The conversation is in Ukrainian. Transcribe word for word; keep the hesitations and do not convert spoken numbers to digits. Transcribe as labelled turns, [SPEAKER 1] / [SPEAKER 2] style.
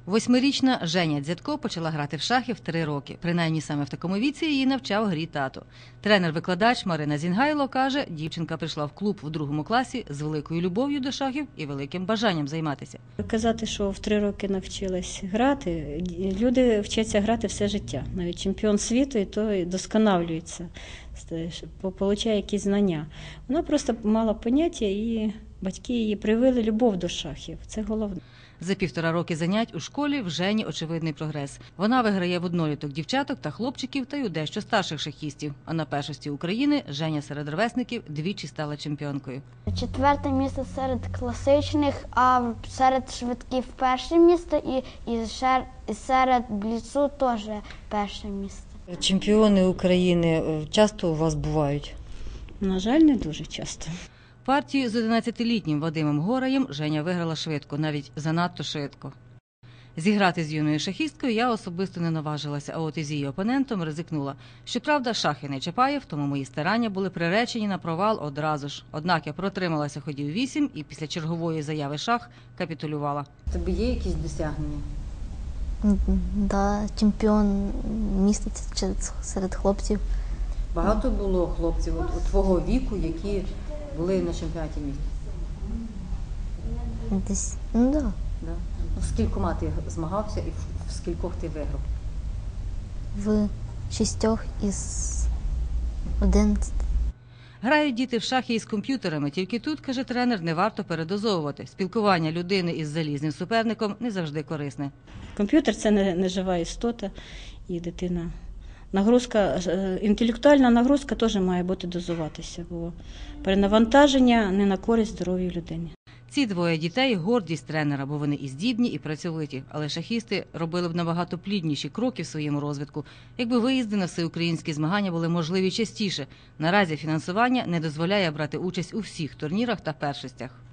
[SPEAKER 1] Восьмирічна Женя Дзятко почала грати в шахи в три роки. Принаймні саме в такому віці її навчав грі тато. Тренер-викладач Марина Зінгайло каже, дівчинка прийшла в клуб в другому класі з великою любов'ю до шахів і великим бажанням займатися.
[SPEAKER 2] Казати, що в три роки навчилась грати, люди вчаться грати все життя. Навіть чемпіон світу і то досконалюється, отримує якісь знання. Вона просто мала поняття і батьки її привили любов до шахів. Це головне.
[SPEAKER 1] За півтора роки занять у школі в Жені очевидний прогрес. Вона виграє в одноліток дівчаток та хлопчиків та й у дещо старших шахістів. А на першості України Женя серед ровесників двічі стала чемпіонкою.
[SPEAKER 3] Четверте місце серед класичних, а серед швидків перше місце і, і, шер, і серед бліцу теж перше місце.
[SPEAKER 4] Чемпіони України часто у вас бувають?
[SPEAKER 2] На жаль, не дуже часто.
[SPEAKER 1] Партію з одинадцятилітнім Вадимом Гораєм Женя виграла швидко, навіть занадто швидко. Зіграти з юною шахісткою я особисто не наважилася, а от із її опонентом ризикнула. Щоправда, шахи не Чапаєв, тому мої старання були приречені на провал одразу ж. Однак я протрималася ходів вісім і після чергової заяви шах капітулювала.
[SPEAKER 4] Тобі є якісь досягнення?
[SPEAKER 5] Да, чемпіон міста серед хлопців.
[SPEAKER 4] Багато було хлопців от, от твого віку, які були на чемпіонаті міста?
[SPEAKER 5] Десь, ну да.
[SPEAKER 4] Да? Ну, з кількома ти змагався і в скількох ти виграв?
[SPEAKER 5] В шістьох із одинадцяти.
[SPEAKER 1] Грають діти в шахи із комп'ютерами, тільки тут, каже тренер, не варто передозовувати. Спілкування людини із залізним суперником не завжди корисне.
[SPEAKER 2] Комп'ютер – це не, не жива істота, і дитина. Нагрузка, інтелектуальна нагрузка теж має бути дозуватися, бо перенавантаження не на користь здоров'ю людини.
[SPEAKER 1] Ці двоє дітей – гордість тренера, бо вони і здібні, і працьовиті. Але шахісти робили б набагато плідніші кроки в своєму розвитку, якби виїзди на всеукраїнські змагання були можливі частіше. Наразі фінансування не дозволяє брати участь у всіх турнірах та першостях.